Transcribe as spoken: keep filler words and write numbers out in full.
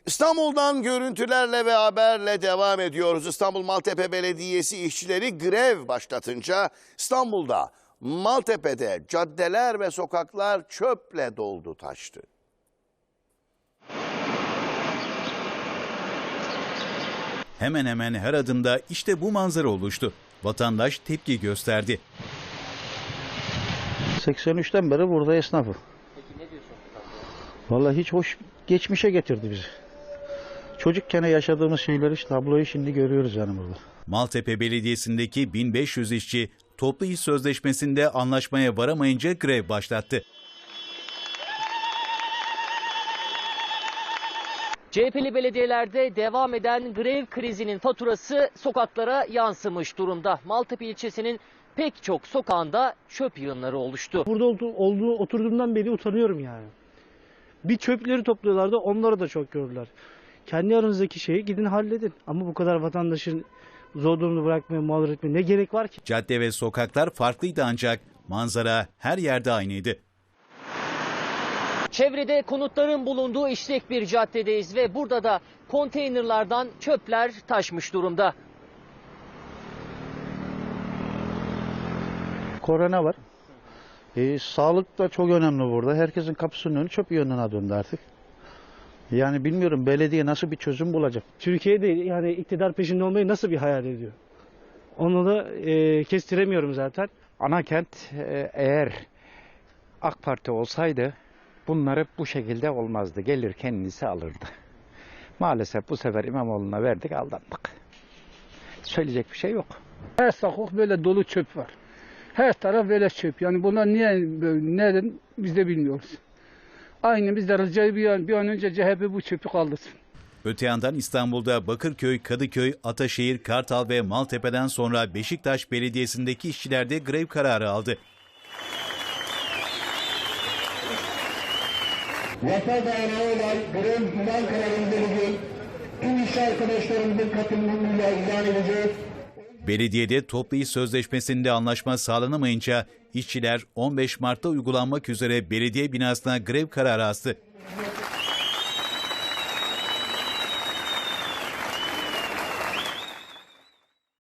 İstanbul'dan görüntülerle ve haberle devam ediyoruz. İstanbul Maltepe Belediyesi işçileri grev başlatınca İstanbul'da Maltepe'de caddeler ve sokaklar çöple doldu taştı. Hemen hemen her adımda işte bu manzara oluştu. Vatandaş tepki gösterdi. seksen üçten beri burada esnafı. Peki ne diyorsun? Vallahi hiç hoş geçmişe getirdi bizi. Çocukken yaşadığımız şeyleri, tabloyu şimdi görüyoruz yani burada. Maltepe Belediyesi'ndeki bin beş yüz işçi toplu iş sözleşmesinde anlaşmaya varamayınca grev başlattı. C H P'li belediyelerde devam eden grev krizinin faturası sokaklara yansımış durumda. Maltepe ilçesinin pek çok sokağında çöp yığınları oluştu. Burada olduğu, olduğu oturduğumdan beri utanıyorum yani. Bir çöpleri topluyorlardı, onları da çok gördüler. Kendi aranızdaki şeyi gidin halledin. Ama bu kadar vatandaşın zor durumda bırakmaya, mağdur etmeye ne gerek var ki? Cadde ve sokaklar farklıydı ancak manzara her yerde aynıydı. Çevrede konutların bulunduğu işlek bir caddedeyiz ve burada da konteynerlardan çöpler taşmış durumda. Korona var. E, sağlık da çok önemli burada. Herkesin kapısının önü çöp yönüne döndü artık. Yani bilmiyorum belediye nasıl bir çözüm bulacak. Türkiye'de yani iktidar peşinde olmayı nasıl bir hayal ediyor? Onu da e, kestiremiyorum zaten. Anakent e, eğer AK Parti olsaydı bunları bu şekilde olmazdı. Gelir kendisi alırdı. Maalesef bu sefer İmamoğlu'na verdik, aldandık. Söyleyecek bir şey yok. Her sokak böyle dolu çöp var. Her taraf böyle çöp. Yani bunlar niye böyle, neden biz de bilmiyoruz. Aynı biz de ricayı bir an, bir an önce C H P bu çöpü kaldırsın. Öte yandan İstanbul'da Bakırköy, Kadıköy, Ataşehir, Kartal ve Maltepe'den sonra Beşiktaş Belediyesi'ndeki işçiler de grev kararı aldı. Vatan dayanağı olan grev ilan kararını vereceğiz. Tüm iş arkadaşlarımızın katılımıyla ilan edeceğiz. Belediyede toplu iş sözleşmesinde anlaşma sağlanamayınca işçiler on beş Mart'ta uygulanmak üzere belediye binasına grev kararı astı.